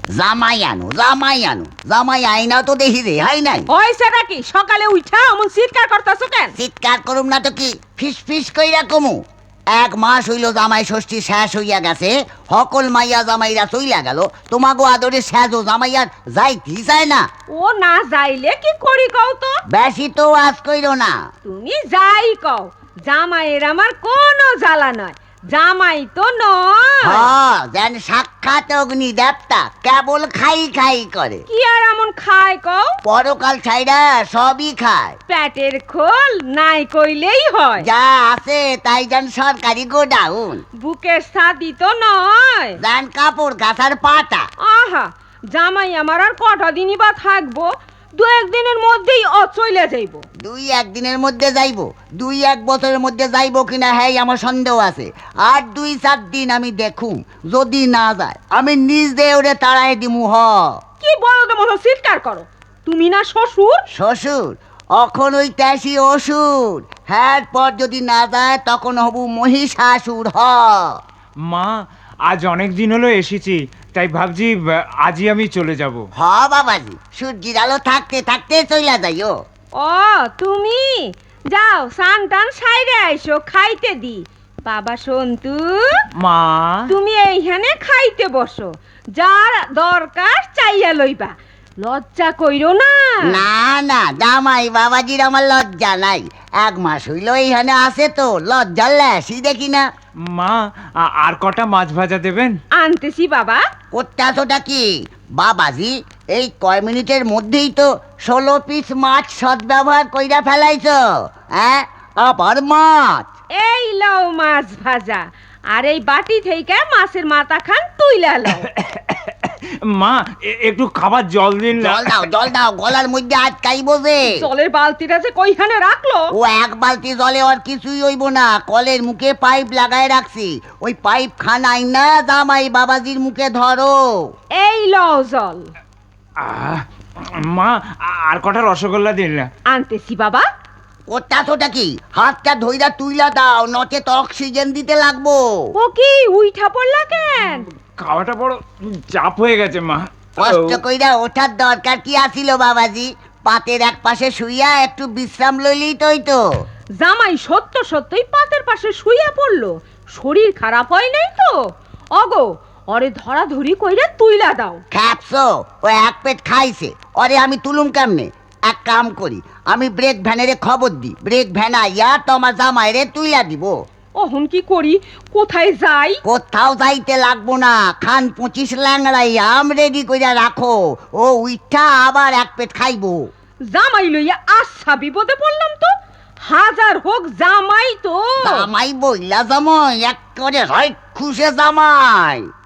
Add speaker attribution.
Speaker 1: জামাই আনো জামাই আনো, জামাই আইনা তো দেখি রে, হাই নাই।
Speaker 2: হইছে নাকি? সকালে উঠা এমন চিৎকার করতেছো কেন?
Speaker 1: চিৎকার করুম না তো কি, ফিস ফিস কইরা কমু। 1 মাস হইল জামাই ষষ্ঠী শেষ হইয়া গেছে, সকল মাইয়া জামাইরা চইলা গেল, তোমাগো আদরে সেজো জামাইয়ার যাইতি চায় না।
Speaker 2: ও না যাইলে কি করি কও তো?
Speaker 1: বেশি তো আজ কইরো না।
Speaker 2: তুমি যাই কও, জামাইয়ের আমার কোনো জ্বালা নয়, জামাই তো নয়।
Speaker 1: যেন সাক্ষাৎ অগ্নি দেবতা, কেবল খাই খাই করে।
Speaker 2: কি আর এমন খায় কও?
Speaker 1: পরকাল ছাইরা সবই খায়।
Speaker 2: পেটের খোল নাই কইলেই হয়।
Speaker 1: যা আছে তাই যেন সরকারি গোডাউন।
Speaker 2: বুকের ছাদি তো নয়,
Speaker 1: যেন কাপড় কাঁথার পাটা।
Speaker 2: আহা, জামাই আমার আর কটা দিনই বা থাকবো? 2-1 দিনের মধ্যেই চলে যাইব।
Speaker 1: 2-1 দিনের মধ্যে যাইবো, 2-1 বছরের মধ্যে যাইবো কিনা হ্যাঁ আমার সন্দেহ আছে। আর 2-4 দিন আমি দেখুম, যদি না যায় আমি নিজ দিয়ে ওরে তাড়াই দিমু।
Speaker 2: কি বলদ মতো চিৎকার করো? তুমি না শ্বশুর?
Speaker 1: শ্বশুর অখন ওই ট্যাসি অসুর, হ্যাঁ পর যদি না যায় তখন হবু মহিষাসুর।
Speaker 3: মা, আজ অনেক দিন হলো এসেছি, তাই ভাবছি আজই আমি চলে যাব।
Speaker 1: বাবাজি, সূর্যের আলো থাকতে থাকতে চইলা যাইও।
Speaker 2: ও তুমি যাও, সান টান সাইরে আইসো, খাইতে দি। বাবা সন্তু,
Speaker 3: মা,
Speaker 2: তুমি এইখানে খাইতে বসো, যার দরকার চাইয়া লইবা, লজ্জা কইরো না।
Speaker 1: না না জামাই বাবাজির আমার লজ্জা নাই, 1 মাস হইল এইখানে আছে তো লজ্জার ল্যাসই দেখি না।
Speaker 3: মা, আর কটা মাছ ভাজা দেবেন?
Speaker 2: আনতেছি বাবা।
Speaker 1: করতেছোটা কি বাবাজি? এই কয় মিনিটের মধ্যেই তো 16 পিস মাছ সদ্ব্যবহার কইরা ফেলাইছো। হ্যাঁ, আবার মাছ।
Speaker 2: এই লও মাছ ভাজা, আর এই বাটি থেকে মাছের মাথা খান তুইলা লও।
Speaker 3: মা, একটু খাবার জল দিন না।
Speaker 1: জল দাও, গলার মধ্যে আটকাইবো যে।
Speaker 2: জলের বালতিটা যে কইখানে রাখলো?
Speaker 1: ও 1 বালতি জলে আর কিছুই হইব না, কলের মুখে পাইপ লাগায় রাখছি, ওই পাইপ খানাই না জামাই বাবাজির মুখে ধরো।
Speaker 2: এই লও জল।
Speaker 3: মা, আর কটা রসগোল্লা দিন না।
Speaker 2: আনতেছি বাবা।
Speaker 1: করতাছোটা কি? হাতটা ধইরা তুইলা দাও, নচে তো অক্সিজেন দিতে লাগবো।
Speaker 2: ও কি উইঠা পড়লা কেন?
Speaker 3: খাওয়াটা বড় চাপ হয়ে গেছে মা।
Speaker 1: কষ্ট কইরা ওঠার দরকার কি আছিল বাবাজি? পাতের এক পাশে শুইয়া একটু বিশ্রাম লইলেই তো।
Speaker 2: জামাই সত্যই পাতের পাশে শুইয়া পড়লো, শরীর খারাপ হয় নাই তো? অগো, ওরে ধরাধরি কইরা তুইলা দাও।
Speaker 1: খ্যাপসো, ও 1 পেট খাইছে, ওরে আমি তুলুম কেমনে? এক কাম করি, আমি ব্রেক ভ্যানের খবর দিই, ব্রেক ভ্যান আইয়া তোমার জামাইরে তুইলা দিব।
Speaker 2: অহন কি করি, কোথায় যাই?
Speaker 1: কোথাও যাইতে লাগবো না, খান 25 ল্যাংড়াই আম রেডি কইরা রাখো, ও উইঠা আবার 1 পেট খাইবো।
Speaker 2: জামাই লইয়া আচ্ছা বিপদে পড়লাম তো। হাজার হোক জামাই তো।
Speaker 1: জামাই বইলা জামাই, এক করে হয় খুশে জামাই।